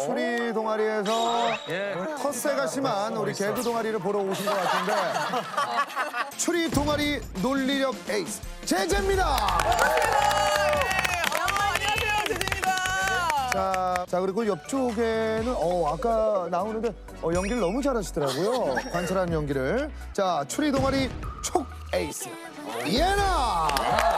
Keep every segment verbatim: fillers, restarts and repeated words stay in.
추리 동아리에서 텃세가 심한 우리 개그 동아리를 보러 오신 것 같은데 추리 동아리 논리력 에이스 제재입니다. 안녕하세요, 제재입니다. 자, 자 그리고 옆쪽에는 어 아까 나오는데 어, 연기를 너무 잘하시더라고요. 관찰하는 연기를. 자 추리 동아리 촉 에이스 예나.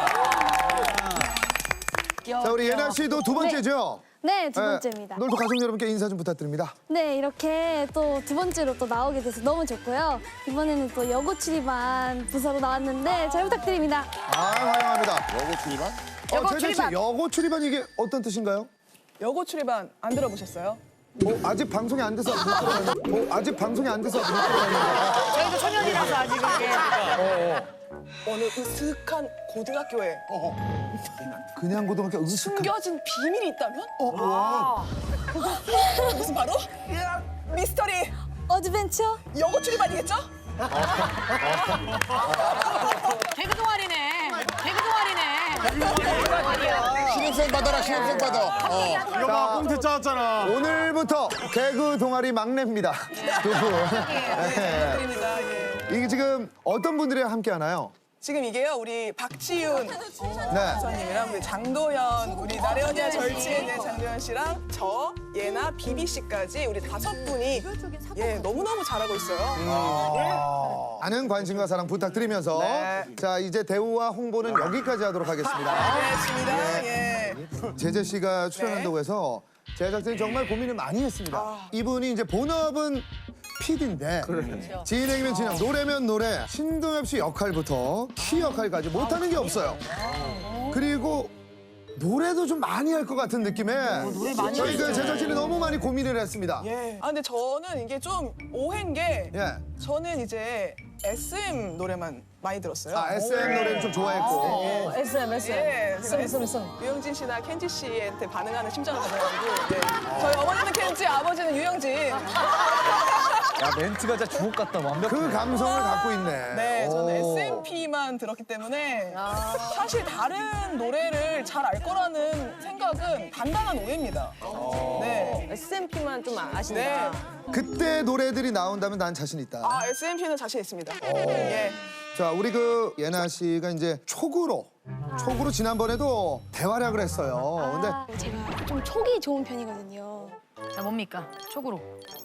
자 우리 예나 씨도 두 번째죠? 네, 두 번째입니다. 놀토 가족 여러분께 인사 좀 부탁드립니다. 네, 이렇게 또 두 번째로 또 나오게 돼서 너무 좋고요. 이번에는 또 여고 출입반 부서로 나왔는데 잘 부탁드립니다. 아 환영합니다. 여고 출입반? 여고 어, 출입반. 여고 출입반 이게 어떤 뜻인가요? 여고 출입반 안 들어보셨어요? 뭐 아직 방송이 안 돼서 못 들어봤는데 뭐 아직 방송이 안 돼서 못 들어봤는데 저희도 초년이라서 아직 이게. 어느 으슥한 고등학교에 그냥 고등학교 으슥한 숨겨진 비밀이 있다면? 무슨 바로? 미스터리 어드벤처? 여고 출입반이겠죠? 개그 동아리네. 개그 동아리네. 신입생 받아라, 신입생 받아. 어. 자, 꽁트 짜왔잖아. 오늘부터 개그 동아리 막내입니다. 두 분. 네. 부탁드립니다. 예. 이게 지금 어떤 분들이 함께 하나요? 지금 이게요, 우리 박지윤 네. 선생님이랑 우리 장도연, 우리 나래언니와 절친의 네, 장도연 씨랑 저, 예나, 비비 씨까지 우리 다섯 분이 예 너무너무 잘하고 있어요. 많은 관심과 사랑 부탁드리면서 네. 자 이제 대우와 홍보는 여기까지 하도록 하겠습니다. 알겠습니다. 예. 제재 씨가 출연한다고 네. 해서 제작진이 정말 고민을 많이 했습니다. 아. 이분이 이제 본업은 피디인데 진행이면 진행, 노래면 노래, 신동엽 씨 역할부터 키 역할까지 못하는 게 없어요. 그리고 노래도 좀 많이 할 것 같은 느낌에 저희 그 제작진이 너무 많이 고민을 했습니다. 예. 아 근데 저는 이게 좀 오해인 게 예. 저는 이제 에스엠 노래만 많이 들었어요. 아 에스엠 노래를 좀 좋아했고 에스엠, 에스엠. 예, 에스엠, 에스엠, 에스엠. 유영진 씨나 켄지 씨한테 반응하는 심정을 가져가지고 네. 저희 어머니는 켄지, 아버지는 유영진. 야 멘트가 진짜 주옥 같다 완벽해. 그 감성을 갖고 있네. 네, 저는 오. 에스엠피만 들었기 때문에 사실 다른 노래를 잘 알 거라는 생각은 단단한 오해입니다. 네. 에스엠피만 좀 네. 아신다. 그때 노래들이 나온다면 난 자신 있다. 아, 에스엠피는 자신 있습니다. 예. 자, 우리 그 예나 씨가 이제 촉으로 촉으로 지난번에도 대활약을 했어요. 근데 아, 제가 좀 촉이 좋은 편이거든요. 자, 뭡니까? 촉으로.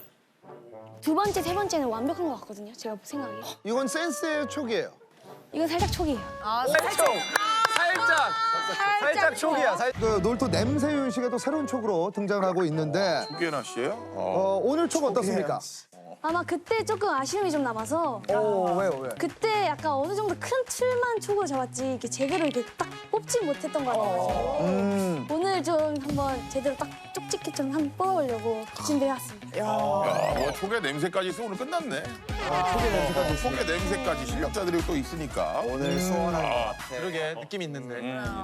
두 번째, 세 번째는 완벽한 것 같거든요. 제가 생각에. 이건 센스의 촉이에요. 이건 살짝 촉이에요. 아, 살짝. 살짝 살짝 촉이야. 살... 그 놀토 냄새윤 씨가 또 새로운 촉으로 등장을 하고 있는데 두개나 씨예요? 어. 어, 오늘 촉 어떻습니까? 아마 그때 조금 아쉬움이 좀 남아서 오, 왜요, 왜? 그때 약간 어느 정도 큰 틀만 촉으로 잡았지 이렇게 제대로 이렇게 딱 뽑지 못했던 것 같아요. 음. 오늘 좀 한번 제대로 딱 쪽집게 좀 한번 뽑아보려고 준비해왔습니다. 야, 뭐 촉의 냄새까지 있어 오늘 끝났네. 촉의 냄새까지 어, 있습니다. 촉의 냄새까지 실력자들이 또 있으니까. 오늘 수원한 것 같아. 그러게 느낌 있는데.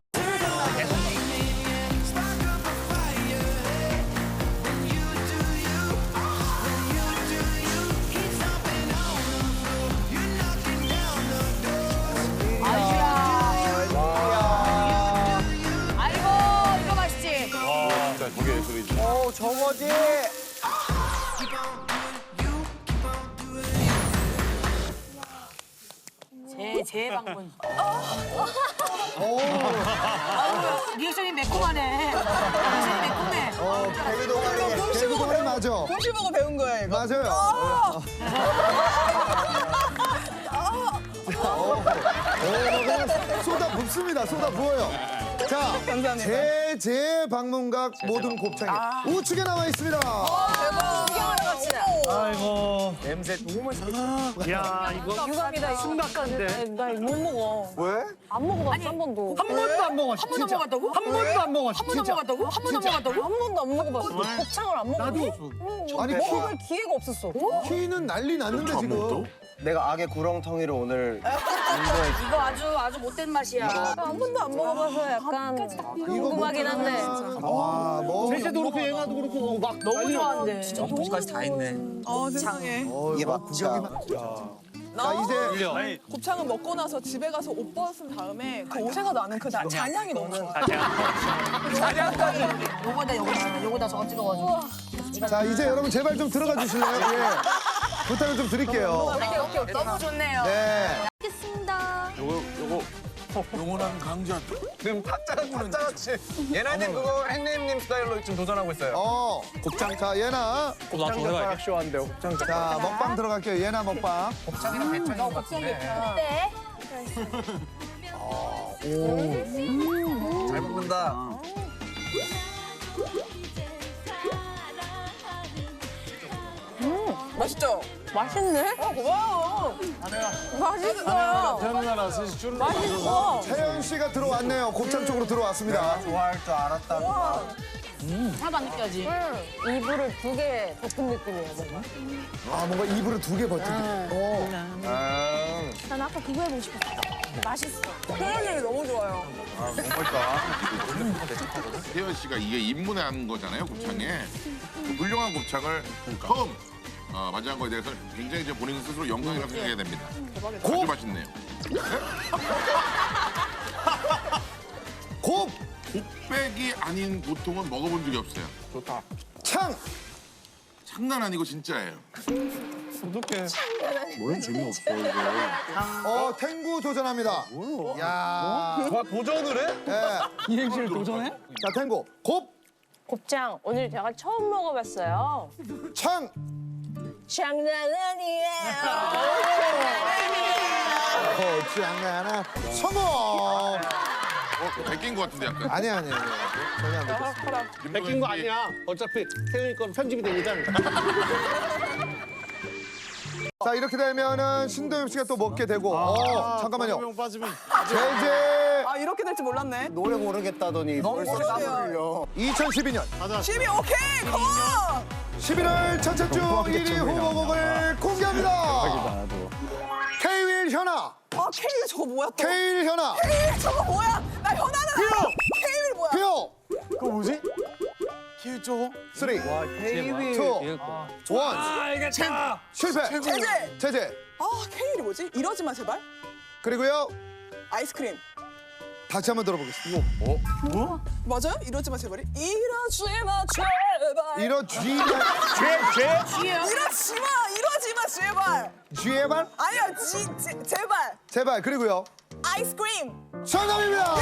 아이고, 이거 맛있지? 진짜 저게 예술이지. 오 저거지. 제, 제 방문. 아유, 리액션이 매콤하네. 리액션이 매콤해. 어, 개그 동아리, 개그 동아리 맞아. 곰씨 보고 배운 거예요, 이거. 맞아요. 어, 그냥 쏟아 붓습니다. 쏟아 부어요. 자, 감사합니다. 제제 방문각 모든 곱창이 우측에 나와 있습니다. 구경하러 갑시다. 아이고 냄새 너무 맛있어. 야 이거 유감이다. 심각한데. 나못 먹어. 왜? 안 먹어봤어, 한 번도. 한 번도 안 먹었어. 한 번도 진짜. 먹었다고? 한 번도 안 먹었어. 한 번도 진짜. 먹었다고? 한 번도 먹었다고? 한 번도 안 먹어봤어. 곱창을 안 먹어봤어. 아니, 먹어볼 기회가 없었어. 키는 난리 났는데 지금. 내가 악의 구렁텅이로 오늘 이거 아주 아주 못된 맛이야. 한 번도 안 먹어봐서 약간 궁금하긴 한데 와, 뭐. 제주도 그렇고 얘나도 그렇고 막 너무 좋아한대. 진짜 엉터리까지 다 있네. 어, 세상에. 어, 이게 뭐 맞죠? 구경이 나 자, 이제 곱창을 먹고 나서 집에 가서 옷 벗은 다음에 그 옷에서 나는 그 자- 잔향이 너무 좋아. 요거다 요거다 요거다 저거 찍어가지고. 자, 이제 여러분 제발 좀 들어가 주실래요? 예. 부탁을 좀 드릴게요. 오케이 오케이 오케이. 너무 좋네요. 네. 알겠습니다. 요거 요거 영원한 강자. 지금 타짜는 타짜같이. 예나님 그거 행님님 스타일로 지금 도전하고 있어요. 어. 곱창. 자, 예나. 곱창 젓가락 쇼한대요. 곱창 젓가락. 자, 먹방 들어갈게요. 예나 먹방. 곱창이랑 배창인 것 같은데. 네. 잘 먹는다. 맛있죠? 맛있네. 어, 고마워. 맛있어요. 태어나라 셋이 줄을 맛있어. 태연 씨가 들어왔네요. 곱창 쪽으로 들어왔습니다. 좋아할 줄 알았다. 하나도 안 느껴지. 이불을 두 개 덮은 느낌이에요. 뭔가. 아, 뭔가 입으로 두 개 버티기. 어. 아, 난 아까 그거 해보고 싶었어. 맛있어. 표현력이 너무 좋아요. 태연 씨가 이게 입문한 거잖아요, 곱창에. 그 훌륭한 곱창을 처음 어, 맞이한 거에 대해서 굉장히 이제 본인 스스로 영광이라고 생각해야 됩니다. 아주 맛있네요. 곱, 곱백이 아닌 보통은 먹어본 적이 없어요. 좋다. 창. 장난 아니고 진짜예요. 어떡해. 뭐는 재미없어 이거. 어, 탱구 도전합니다. 야. 와, 도전을 해? 예. 이행시를 도전해? 자, 탱구. 곱, 곱창 오늘 제가 처음 먹어봤어요. 창. 장난 아니에요. 어, 장난아. 성공. 어, 베낀 것 같은데 약간. 아니, 아니, 아니. 전혀 안 됐습니다. 베낀 거 아니야. 어차피 태연이 건 편집이 되니까. 자, 이렇게 되면은 신도엽 씨가 또 먹게 되고. 어, 잠깐만요. 명 빠지면. 제제 아, 이렇게 될 줄 몰랐네. 노래 모르겠다더니 벌써 모르겠어요. 땀을 흘려. 이천십이 년 십이 오케이, 컴온! 십일월 첫째 주 일 위 후보곡을 공개합니다. 케이윌 현아, 아, 케일 저거 뭐야 또? 케일 현아, 케일 저거 뭐야? 나 현아는 알아. 케일 뭐야? 표. 그거 뭐지? 키 저거? 쓰리, 케이윌. 투, 원. 알겠다. 실패. 제재. 제제. 아, 케일이 뭐지? 이러지 마 제발. 그리고요. 아이스크림. 다시 한번 들어보겠습니다. 맞아요? 이러지 마 제발이? 이러지 마 제발. 이런 쥐, 이러지 마, 이러지 마 제발. 쥐에발 아니야, 지, 제, 제발. 제발. 그리고요. 아이스크림. 정답입니다.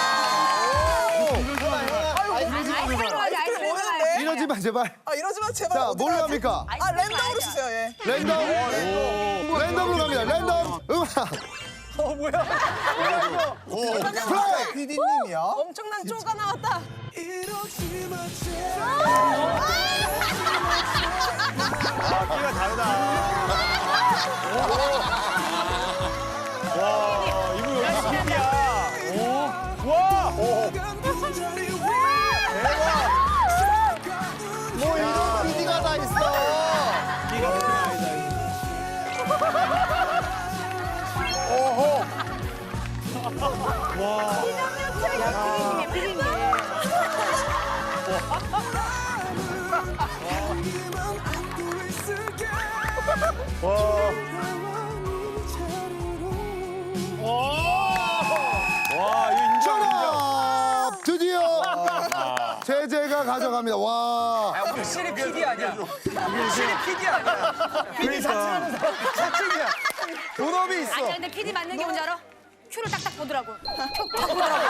아이스크림 맞아. 아이스크림 뭐였는데? 이러지 마 제발. 아, 이러지 마 제발. 자, 어디 뭘로 가지? 합니까? 아, 랜덤으로 주세요, 예. 랜덤. 랜덤으로 갑니다. 랜덤 음악. 어, 뭐야? 플레이. 피디님이야? 엄청난 쪼가 나왔다. 키가 다르다. 와, 이거 왜 스킵이야? 오, 와! 뭐 이런 피디가 다 있어. 키가 그렇게 아니다. 와, 이거 인정, 인정. 정답! 드디어 제재가 가져갑니다. 와. 확실히 피디 아니야. 확실히 피디 아니야. 피디 자체는 자체이야. 본업이 있어. 아니 근데 피디 맞는 게 뭔지 알아? 큐를 딱딱 보더라고. 큐딱 보더라고.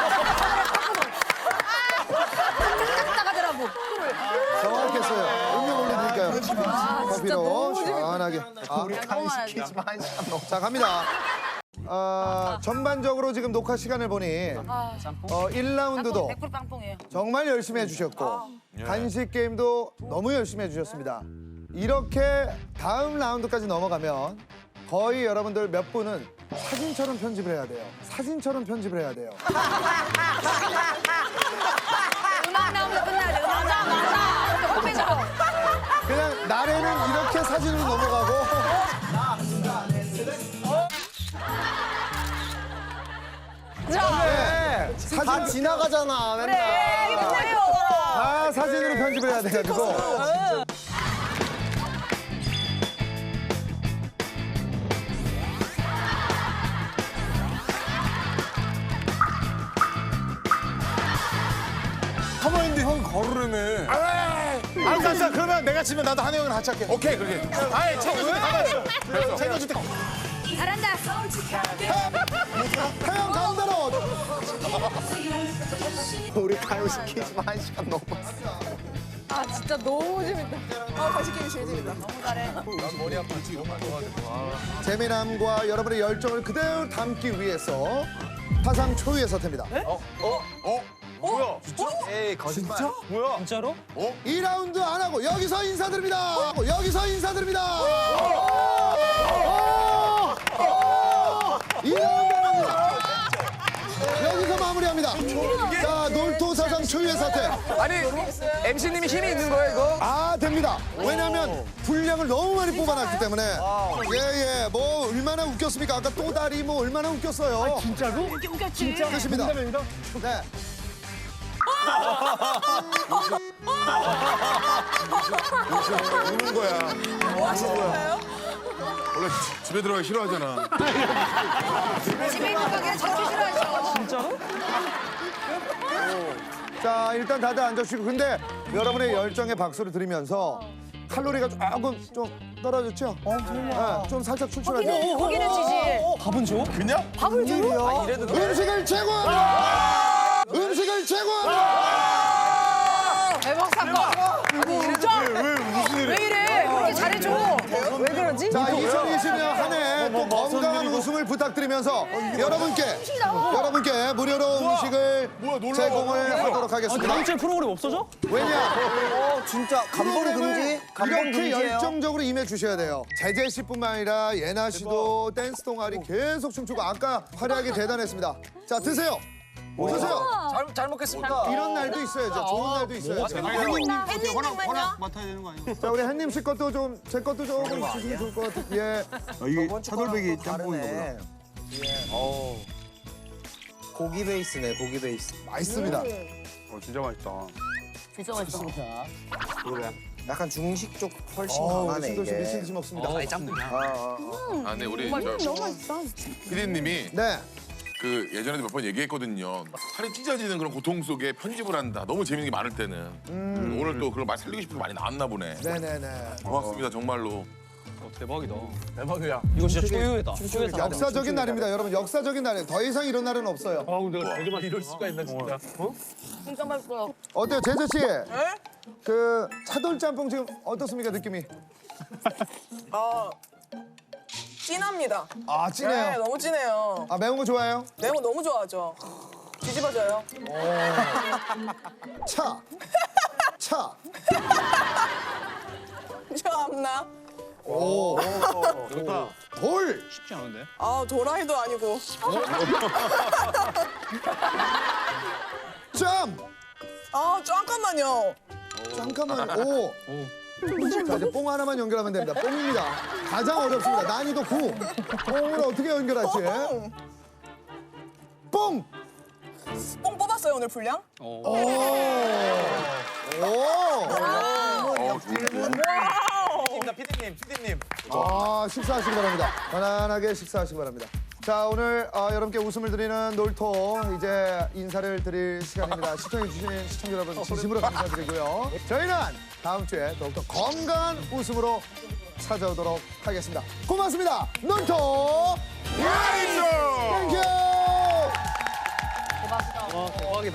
딱딱 하더라고. 정확했어요. 음료 올려드릴까요? 커피로 시원하게. 아, 우리 간식이지 마, 한 시간 넘 자, 갑니다. 어, 전반적으로 지금 녹화 시간을 보니 어, 일 라운드도 백 퍼센트 빵뽕이에요. 정말 열심히 해주셨고 간식 게임도 너무 열심히 해주셨습니다. 이렇게 다음 라운드까지 넘어가면 거의 여러분들 몇 분은 사진처럼 편집을 해야 돼요. 사진처럼 편집을 해야 돼요. 음악 나오면 끝나야 돼. 맞아 맞아. 홈페이지로. 그냥 날에는 이렇게 사진으로 넘어가고 네, 다 사진 지나가잖아, 맨날. 그래 이거 뭐예요? 다 사진으로 편집을 해야 돼가지고 가만히 있는데 형 걸으려며. 알았어, 알았어. 그러면 내가 치면 나도 한혜 형이랑 같이 할게. 오케이 그렇게. 아예 챙겨줄 때 가만있어. 챙겨줄 때. 잘한다. 태양 가운데로. 우리 가요시키지 마. 한 시간 넘어. 아 진짜 너무 재밌다. 아 다시 게임 제일 재밌다. 재미남과 여러분의 열정을 그대로 담기 위해서 타상 초유의 사태입니다. 어? 뭐야? 에이, 거짓말. 진짜? 뭐야? 진짜로? 이 라운드 안 하고 여기서 인사드립니다. 여기서 인사드립니다. 이 라운드 안 합니다. 여기서 마무리합니다. 자, 놀토 사상 초유의 사태. 아니, 엠씨님이 힘이 있는 거야, 이거? 아, 됩니다. 왜냐하면 분량을 너무 많이 뽑아놨기 때문에. 예, 예. 뭐, 얼마나 웃겼습니까? 아까 또다리 뭐, 얼마나 웃겼어요. 진짜로? 웃겼지. 진짜. 끝입니다. 네. 우는 거야. 뭐 하시는 거예요? 원래 지- 집에 들어가기 싫어하잖아. 집에 있는 가게 저렇게 싫어하셔. 자, 일단 다들 앉아주시고. 근데 여러분의 열정에 박수를 드리면서 칼로리가 조금 좀 떨어졌죠? 어, 정말. 네, 좀 살짝 출출하죠? 고기는 지지. 밥은 줘? 그냥? 밥을 줘요? 아, 이래도 돼? 음식을 제공합니다! 음식을 제공합니다! 대박 사건. 진짜? 왜, 무슨 일이야? 왜 이래? 그렇게 잘해줘. 왜 그러지? 자, 이천이십 년 한 해 또 건강한 웃음을 부탁드리면서 여러분께, 여러분께 무료로 음식을 제공을 하도록 하겠습니다. 다음 주에 프로그램 없어져? 왜냐? 어, 진짜 감동 금지? 감동 이렇게 금지예요? 열정적으로 임해 주셔야 돼요. 제재 씨뿐만 아니라 예나 씨도 댄스 동아리 계속 춤추고 아까 활약이 대단했습니다. 자, 드세요. 드세요. 잘, 잘 먹겠습니다. 이런 날도 있어야죠. 좋은 날도 있어야죠. 햇님만요? 자, 우리 햇님 씨 것도 좀, 제 것도 조금 주시면 좋을 것 같아요. 예. 이게 차돌박이 짬뽕이구나. 어우. 고기 베이스네, 고기 베이스. 맛있습니다. 어, 진짜 맛있다. 진짜 맛있어. 그래. 약간 중식 쪽 훨씬 어, 우리 강하네, 신도 씨 이게. 미친 듯이 먹습니다. 아, 아, 아. 아, 네 우리 너무 저 맛있어. 피디님이 네. 그 예전에도 몇 번 얘기했거든요. 살이 찢어지는 그런 고통 속에 편집을 한다. 너무 재밌는 게 많을 때는. 음, 오늘 또 그걸 많이 살리고 싶어서 많이 나왔나 보네. 네네네. 고맙습니다 정말로. 대박이다. 대박이야. 이거 진짜 초유회다. 초유회 역사적인 날입니다. 여러분, 역사적인 날이에요. 더 이상 이런 날은 없어요. 아, 근데 내가 되게만 이럴 수가 있나 진짜. 어? 진짜 맛있어요. 어때요, 제재 씨? 네? 그 차돌짬뽕 지금 어떻습니까, 느낌이? 아 진합니다. 아, 네, 진해요. 너무 진해요. 아, 매운 거 좋아해요? 매운 거 너무 좋아하죠. 뒤집어져요. 차. 차. 참나. 오. 좋다. 돌. 쉽지 않은데? 아 도라이도 아니고. 짬. 아 잠깐만요. 잠깐만. 오. 자, 이제 뽕 하나만 연결하면 됩니다. 뽕입니다. 가장 어렵습니다. 난이도 구. 뽕을 어떻게 연결할지. 뽕. 뽕 뽑았어요 오늘 분량? 오. 오. 어, 좋은데. 피디님, 피디님. 아, 식사하시기 바랍니다. 편안하게 식사하시기 바랍니다. 자, 오늘 어, 여러분께 웃음을 드리는 놀토 이제 인사를 드릴 시간입니다. 시청해주신 시청자 여러분 진심으로 감사드리고요. 저희는 다음 주에 더욱더 건강한 웃음으로 찾아오도록 하겠습니다. 고맙습니다. 놀토 와이쇼. 땡큐. 와, 대박이다.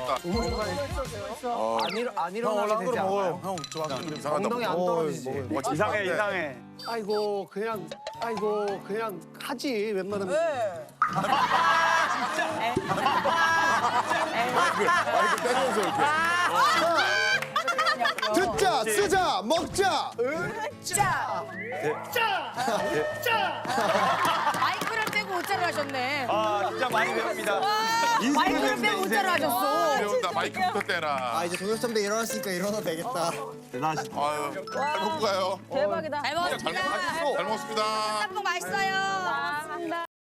안, 일, 안 일어나게 되지 않아요? 형, 좋아하는 이상하다. 엉덩이 안 떨어지지. 이상해, 이상해. 아이고 그냥 아이고 그냥 하지 웬만하면 네. 마이크 떼면서 이렇게. 듣자, 쓰자, 먹자. 마이크를 빼고 오짜를 하셨네. 아, 진짜 많이 배웁니다. 마이크를 빼고 오짜를 하셨어. 배운다 마이크부터 떼라. 아, 이제 동혁 선배 일어났으니까 일어나도 되겠다. 대단하시다. 아유 잘 먹고 가요. 대박이다. 잘 잘 먹었습니다. 먹- 잘 먹었습니다. 짬뽕 맛있어요.